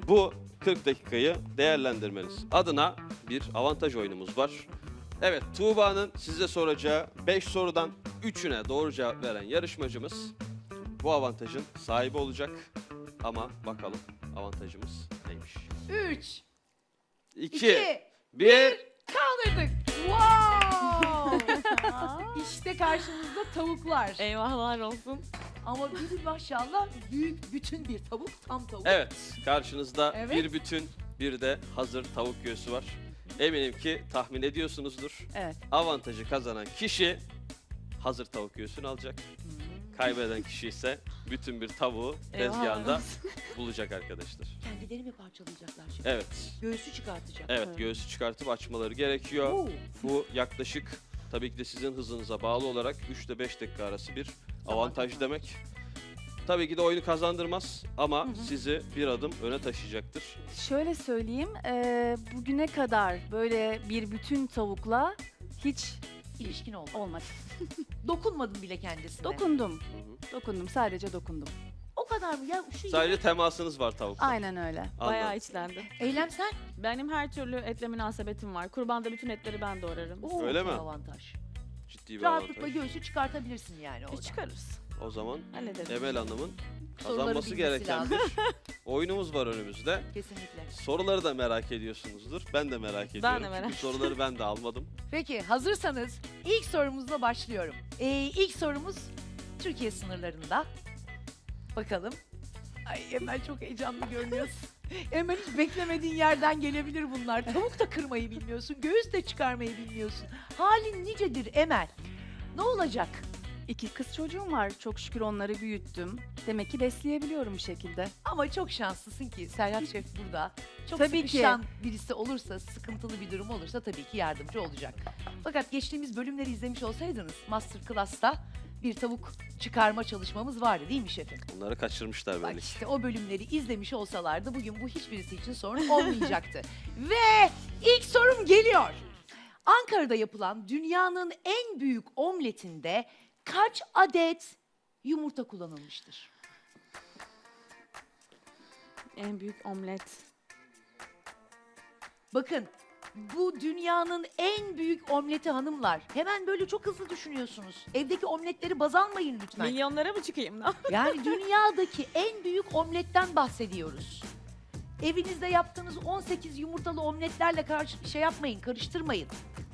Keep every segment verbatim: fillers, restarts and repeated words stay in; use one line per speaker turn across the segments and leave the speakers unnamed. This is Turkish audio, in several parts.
bu kırk dakikayı değerlendirmeniz adına bir avantaj oyunumuz var. Evet, Tuğba'nın size soracağı beş sorudan üçüne doğru cevap veren yarışmacımız bu avantajın sahibi olacak. Ama bakalım avantajımız neymiş?
Üç,
iki,
iki,
bir.
kaldırdık. Wow! İşte karşımızda tavuklar.
Eyvahlar olsun.
Ama bir maşallah büyük bütün bir tavuk, tam tavuk.
Evet, karşınızda
Evet.
bir bütün, bir de hazır tavuk göğsü var. Eminim ki tahmin ediyorsunuzdur.
Evet.
Avantajı kazanan kişi hazır tavuk göğsünü alacak. Kaybeden kişi ise bütün bir tavuğu tezgahında bulacak arkadaşlar.
Kendileri mi parçalayacaklar şimdi?
Evet,
Göğsü çıkartacak.
evet göğsü çıkartıp açmaları gerekiyor.
Oo.
Bu yaklaşık tabii ki de sizin hızınıza bağlı olarak üç ile beş dakika arası bir avantaj demek. Tabii ki de oyunu kazandırmaz ama sizi bir adım öne taşıyacaktır.
Şöyle söyleyeyim, eee, bugüne kadar böyle bir bütün tavukla hiç
İlişkin oldu.
olmadı.
Dokunmadın bile kendisine.
Dokundum,
Hı hı.
dokundum, sadece dokundum.
O kadar mı ya? Şu
Sadece temasınız var tavukla.
Aynen öyle.
Bayağı
Anladım.
içlendi.
Eylem sen.
Benim her türlü etle münasebetim var. Kurbanda bütün etleri ben doğrarım.
Oo,
Öyle mi?
Avantaj.
Ciddi bir
Rahatlıkla
avantaj.
göğsü çıkartabilirsin yani
E
orada.
çıkarız.
O zaman
Hallederiz.
Emel Hanım'ın
Soruları
kazanması
bilmesi
gereken
lazım.
bir oyunumuz var önümüzde.
Kesinlikle.
Soruları da merak ediyorsunuzdur. Ben de merak ediyorum.
de merak
Çünkü soruları ben de almadım.
Peki hazırsanız ilk sorumuzla başlıyorum. Ee, ilk sorumuz Türkiye sınırlarında. Bakalım. Ay Emel çok heyecanlı görünüyorsun. Emel hiç beklemediğin yerden gelebilir bunlar. Tavuk da kırmayı bilmiyorsun, göğüs de çıkarmayı bilmiyorsun. Halin nicedir Emel? Ne olacak?
İki kız çocuğum var, çok şükür onları büyüttüm. Demek ki besleyebiliyorum bir şekilde.
Ama çok şanslısın ki Serhat Şef burada. Çok
Tabii ki.
sıkışan birisi olursa, sıkıntılı bir durum olursa tabii ki yardımcı olacak. Fakat geçtiğimiz bölümleri izlemiş olsaydınız Master Class'ta bir tavuk çıkarma çalışmamız vardı değil mi şefim?
Onları kaçırmışlar
Bak
belli ki.
işte o bölümleri izlemiş olsalardı bugün bu hiçbirisi için sorun olmayacaktı. Ve ilk sorum geliyor. Ankara'da yapılan dünyanın en büyük omletinde kaç adet yumurta kullanılmıştır?
En büyük omlet.
Bakın bu dünyanın en büyük omleti hanımlar. Hemen böyle çok hızlı düşünüyorsunuz. Evdeki omletleri baz almayın lütfen.
Milyonlara mı çıkayım lan?
Yani dünyadaki en büyük omletten bahsediyoruz. Evinizde yaptığınız on sekiz yumurtalı omletlerle karşı şey yapmayın, karıştırmayın.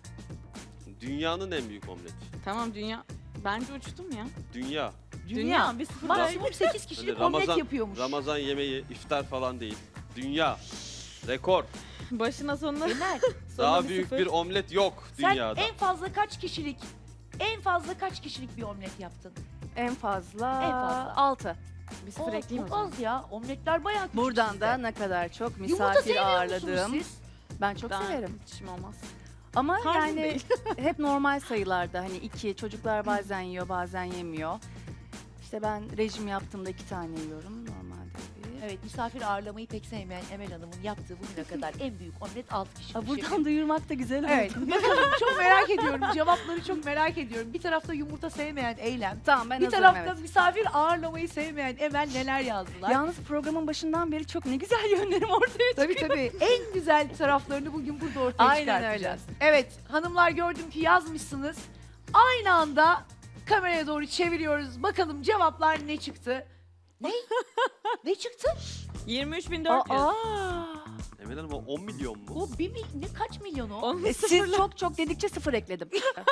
Dünyanın en büyük omleti.
Tamam dünya. Bence uçtum ya.
Dünya.
Dünya, bir sıfır
maksimum sekiz
Hani
kişilik
Ramazan,
omlet yapıyormuş.
Ramazan yemeği, iftar falan değil. Dünya. Rekor.
Başına sonuna.
Emel,
Daha
bir
büyük
sıfır.
bir omlet yok
sen
dünyada.
en fazla kaç kişilik, en fazla kaç kişilik bir omlet yaptın?
En fazla,
En fazla.
altı.
Bir sıfır
Oo,
ekleyeyim o
çok
zaman.
az ya, omletler bayağı küçük
Buradan
sizde.
da ne kadar çok
Yumurta
misafir
sevmiyor
ağırladım.
musunuz siz?
Ben çok
Ben
severim.
içim olmaz.
Ama
Tarzım
yani
değil.
hep normal sayılarda, hani iki, çocuklar bazen yiyor bazen yemiyor. İşte ben rejim yaptığımda iki tane yiyorum normalde bir.
Evet, misafir ağırlamayı pek sevmeyen Emel Hanım'ın yaptığı bugüne kadar en büyük omlet altı kişi.
Aa, buradan duyurmak da güzel oldu.
Evet, bakalım çok merak ediyorum. Cevapları çok merak ediyorum. Bir tarafta yumurta sevmeyen Eylem,
Tamam, ben
bir
hazırım,
tarafta
evet.
misafir ağırlamayı sevmeyen Emel neler yazdılar.
Yalnız programın başından beri çok ne güzel yönlerim ortaya
Tabii
çıkıyor.
tabii en güzel taraflarını bugün burada ortaya
Aynen
çıkartacağız. Evet, hanımlar gördüm ki yazmışsınız. Aynı anda kameraya doğru çeviriyoruz. Bakalım cevaplar ne çıktı? Ne? Ne çıktı?
yirmi üç bin dört yüz.
Aa,
Emel Hanım o on milyon mu?
O bir mil- ne kaç milyon o?
On
e, siz çok çok dedikçe sıfır ekledim.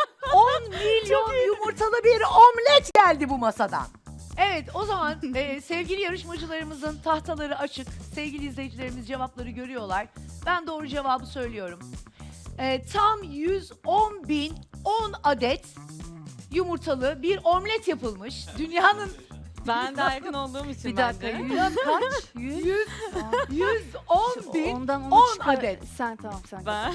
on milyon yumurtalı bir omlet geldi bu masadan. Evet o zaman e, sevgili yarışmacılarımızın tahtaları açık. Sevgili izleyicilerimiz cevapları görüyorlar. Ben doğru cevabı söylüyorum. E, tam yüz on bin on adet yumurtalı bir omlet yapılmış. Dünyanın
Ben daha yakın olduğum için
Bir dakika,
bence.
yüz kaç? Yüz?
yüz, yüz on bin
Ondan onu
on
çıkar-
adet.
Sen tamam sen.
Ben.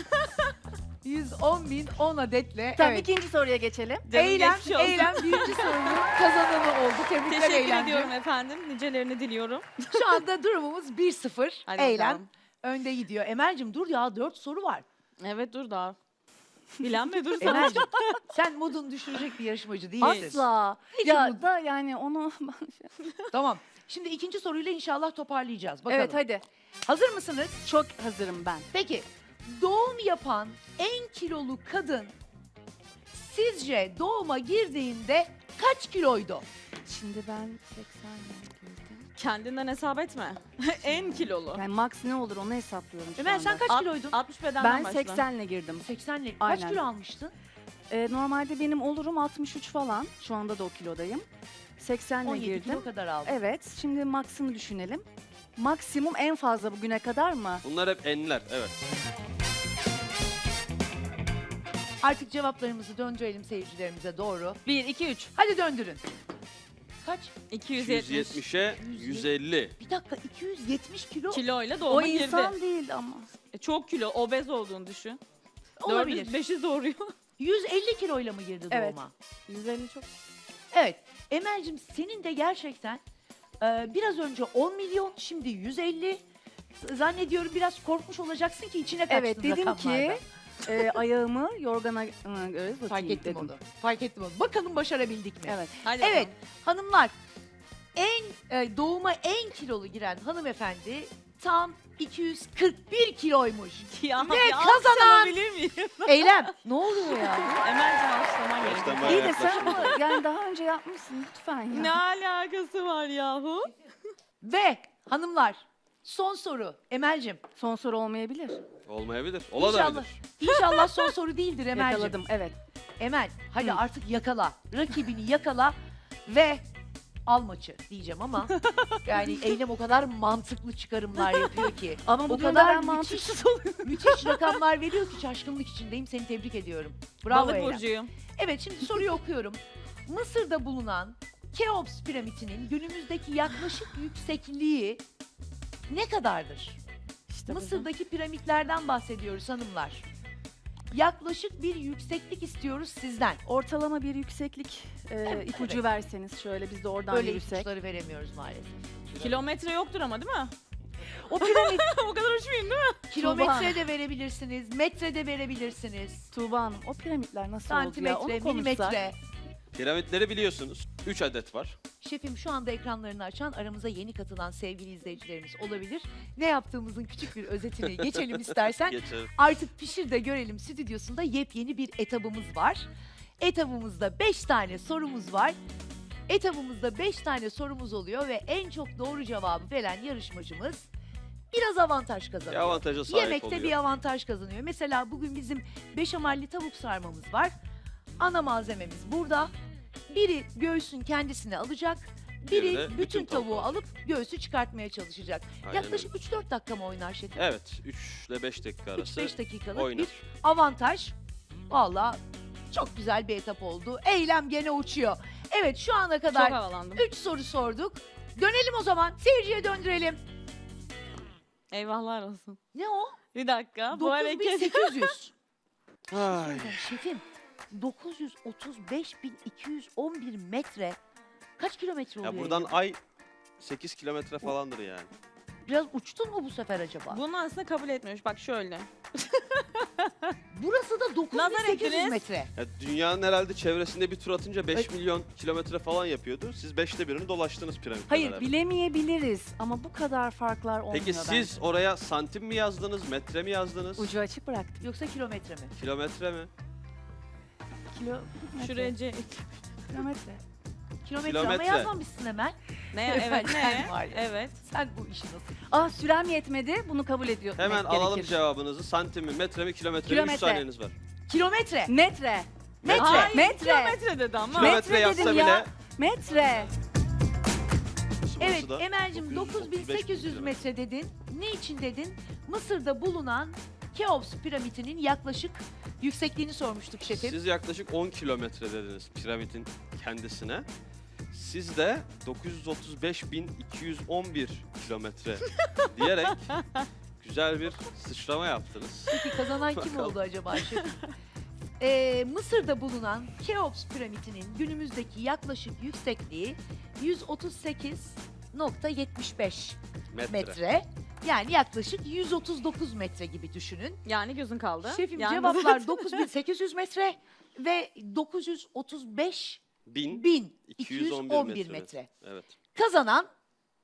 yüz on bin on adetle.
Tamam,
evet.
ikinci soruya geçelim.
Canım
Eylem,
geçmiş olsun.
Eylem birinci sorunun kazananı oldu. Tebrikler
Teşekkür
Eylemciğim.
ediyorum efendim. Nicelerini diliyorum.
Şu anda durumumuz bir sıfır.
Hadi
Eylem
bakalım.
önde gidiyor. Emel'cim dur ya dört soru var.
Evet dur daha. Bilen mi dur sana?
Emel'cim sen modunu düşürecek bir yarışmacı değilsin.
Asla.
Hiç
Ya
umut-
da yani onu
Tamam. Şimdi ikinci soruyla inşallah toparlayacağız. Bakalım.
Evet hadi.
Hazır mısınız?
Çok hazırım ben.
Peki doğum yapan en kilolu kadın sizce doğuma girdiğinde kaç kiloydu?
Şimdi ben seksen girdim.
Kendinden hesap etme. En kilolu.
Yani max ne olur onu hesaplıyorum şu
Ömer sen
anda.
kaç
Alt-
kiloydun?
altmış bedenden
Ben
başla.
seksenle girdim.
seksenle. Kaç
Aynen.
kilo almıştın?
Ee, normalde benim olurum altmış üç falan. Şu anda da o kilodayım. seksenle
on yedi
girdim.
kilo kadar aldın.
Evet. Şimdi max'ını düşünelim. Maksimum en fazla bugüne kadar mı?
Bunlar hep enler. Evet.
Artık cevaplarımızı döndürelim seyircilerimize doğru.
bir, iki, üç.
Hadi döndürün. Kaç?
iki yüz yetmiş.
yüz yetmişe yüz elli.
Bir dakika iki yüz yetmiş kilo
Kiloyla
O
doğuma girdi.
insan değil ama.
E, çok kilo, obez olduğunu düşün.
olabilir.
dört yüz beşi doğuruyor.
yüz elli kiloyla mı girdi
Evet.
doğuma?
yüz elli çok.
Evet. Emel'cim senin de gerçekten e, biraz önce on milyon, şimdi yüz elli. Zannediyorum biraz korkmuş olacaksın ki içine kaçtın
Evet dedim
rakamlardan.
ki e, ayağımı yorgana ıı, göre
Fark
uzatayım
ettim
dedim.
onu. Fark ettim onu. Bakalım başarabildik mi?
Evet.
Hadi
Evet
bakalım.
hanımlar en e, doğuma en kilolu giren hanımefendi tam iki yüz kırk bir kiloymuş.
Ya,
Ve
ya,
kazanan-
alkışlanabilir miyim?
Eylem ne oluyor ya?
Emel'cim alkışlaman
Baştan
gerekiyor.
bayağı
İyi de sen
yaklaştınız.
bunu yani daha önce yapmışsın lütfen ya.
Ne alakası var yahu?
Ve hanımlar son soru Emel'cim.
Son soru olmayabilir.
Olmayabilir.
İnşallah,
Olabilir.
inşallah son soru değildir Emel'cim.
Yakaladım evet.
Emel hadi
Hı.
artık yakala. Rakibini yakala ve al maçı diyeceğim ama yani Eylem o kadar mantıklı çıkarımlar yapıyor ki.
Ama bu
O
durumda
kadar
ben
müthiş,
mantıksız oluyorum.
müthiş rakamlar veriyor ki şaşkınlık içindeyim. Seni tebrik ediyorum. Bravo
Balık
Eylem.
burcuyum.
Evet şimdi soruyu okuyorum. Mısır'da bulunan Keops piramitinin günümüzdeki yaklaşık yüksekliği ne kadardır?
İşte
Mısır'daki piramitlerden bahsediyoruz hanımlar. Yaklaşık bir yükseklik istiyoruz sizden.
Ortalama bir yükseklik e,
Evet,
ipucu
evet.
verseniz şöyle biz de oradan
Böyle
yürüsek.
ipuçları veremiyoruz maalesef.
Kilometre yoktur ama değil mi?
O piramit
O kadar uçmayayım değil mi?
kilometre de verebilirsiniz, metre de verebilirsiniz.
Tuğba Hanım o piramitler nasıl oldu ya?
Santimetre,
Onu konuşsak.
milimetre.
Piramitleri biliyorsunuz. üç adet var.
Şefim şu anda ekranlarını açan aramıza yeni katılan sevgili izleyicilerimiz olabilir. Ne yaptığımızın küçük bir özetini geçelim istersen.
Geçelim.
Artık Pişir de Görelim stüdyosunda yepyeni bir etabımız var. Etabımızda beş tane sorumuz var. Etabımızda beş tane sorumuz oluyor ve en çok doğru cevabı veren yarışmacımız biraz avantaj
Bir
kazanıyor.
avantaja sahip
Yemekte
oluyor.
bir avantaj kazanıyor. Mesela bugün bizim beşamelli tavuk sarmamız var. Ana malzememiz burada. Biri göğsün kendisini alacak. Biri
Biri de
bütün,
bütün tavuğu
tavuğu alıp göğsü çıkartmaya çalışacak.
Aynen
Yaklaşık üç dört dakika mı oynar şefim?
Evet. üç ile beş dakika arası
üç beş dakikalık
oynar.
bir avantaj. Valla çok güzel bir etap oldu. Eylem gene uçuyor. Evet şu ana
Çok
kadar
havalandım.
üç soru sorduk. Dönelim o zaman. Seyirciye döndürelim.
Eyvahlar olsun.
Ne o?
Bir dakika. Bu
dokuz bin
hareket.
sekiz yüz.
Ay.
Şefim dokuz yüz otuz beş bin iki yüz on bir metre kaç kilometre oluyor?
Ya buradan
Eylem?
ay sekiz kilometre falandır yani.
Biraz uçtun mu bu sefer acaba?
Bunu aslında kabul etmiyormuş. Bak şöyle.
Burası da dokuz bin
Nazar
sekiz yüz
ettiniz.
metre.
Ya dünyanın herhalde çevresinde bir tur atınca beş
Ay.
milyon kilometre falan yapıyordu. Siz beşte birini dolaştınız piramitle
Hayır
beraber.
bilemeyebiliriz ama bu kadar farklar olmuyor
Peki
bence.
siz oraya santim mi yazdınız, metre mi yazdınız?
Ucu açık bıraktım.
Yoksa kilometre mi?
Kilometre mi?
Kilo,
Şuraya
metre,
C-
kilometre.
Kilometre, ama
Kilometre.
yazmamışsın hemen.
Ne? Evet
Sen
ne?
var ya.
Evet.
Sen bu işi nasıl?
Ah sürem yetmedi bunu kabul ediyor.
Hemen
etmek
alalım
gerekir.
cevabınızı. Santim mi, metre mi, kilometre mi? üç
Kilometre.
saniyeniz var.
Kilometre.
Metre.
Metre.
Hayır,
Metre.
kilometre dedi ama.
Metre
Kilometre yazsa
dedim
bile...
ya. Metre.
Burası
Evet
da
Emel'cim dokuz bin sekiz yüz metre dedin. Ne için dedin? Mısır'da bulunan Keops piramitinin yaklaşık yüksekliğini sormuştuk şefim.
Siz yaklaşık on kilometre dediniz piramidin kendisine. Siz de dokuz yüz otuz beş bin iki yüz on bir kilometre diyerek güzel bir sıçrama yaptınız.
Peki kazanan kim
Bakalım.
oldu acaba şefim? Ee, Mısır'da bulunan Keops piramitinin günümüzdeki yaklaşık yüksekliği yüz otuz sekiz nokta yetmiş beş
Metre.
metre. Yani yaklaşık yüz otuz dokuz metre gibi düşünün.
Yani gözün kaldı.
Şefim
Yalnız-
cevaplar dokuz bin sekiz yüz metre ve dokuz yüz otuz beş
bin
bin
iki
iki
yüz
yüz
on
on
bir
bir
metre.
metre.
Evet.
Kazanan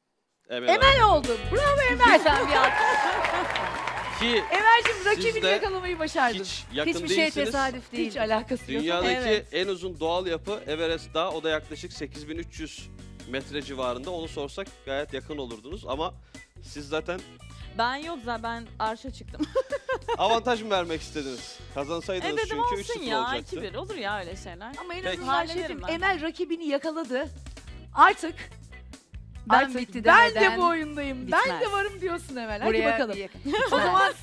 Emel,
Emel oldu. Bravo Emel.
Lütfen bir alkış.
Ki
Emel'cim rakibini
de
yakalamayı başardın.
hiç yakın
Hiçbir şey
değilsiniz.
tesadüf değil.
Hiç alakası yok.
Dünyadaki
Evet.
en uzun doğal yapı Everest Dağı. O da yaklaşık sekiz bin üç yüz metre civarında. Onu sorsak gayet yakın olurdunuz ama siz zaten
Ben yok zaten ben arşa çıktım.
avantaj mı vermek istediniz? Kazansaydınız
e dedim
çünkü üç
olsun
sıfır
ya
olacaktı.
iki bir olur ya öyle şeyler.
Ama en
Peki.
azından
Hallederim
şefim
ben.
Emel rakibini yakaladı. Artık
Ben
artık
bitti
ben de
demeden
bu oyundayım. Ben
bitmez.
de varım diyorsun Emel. Hadi
Buraya
bakalım.
bir yakın.
O zaman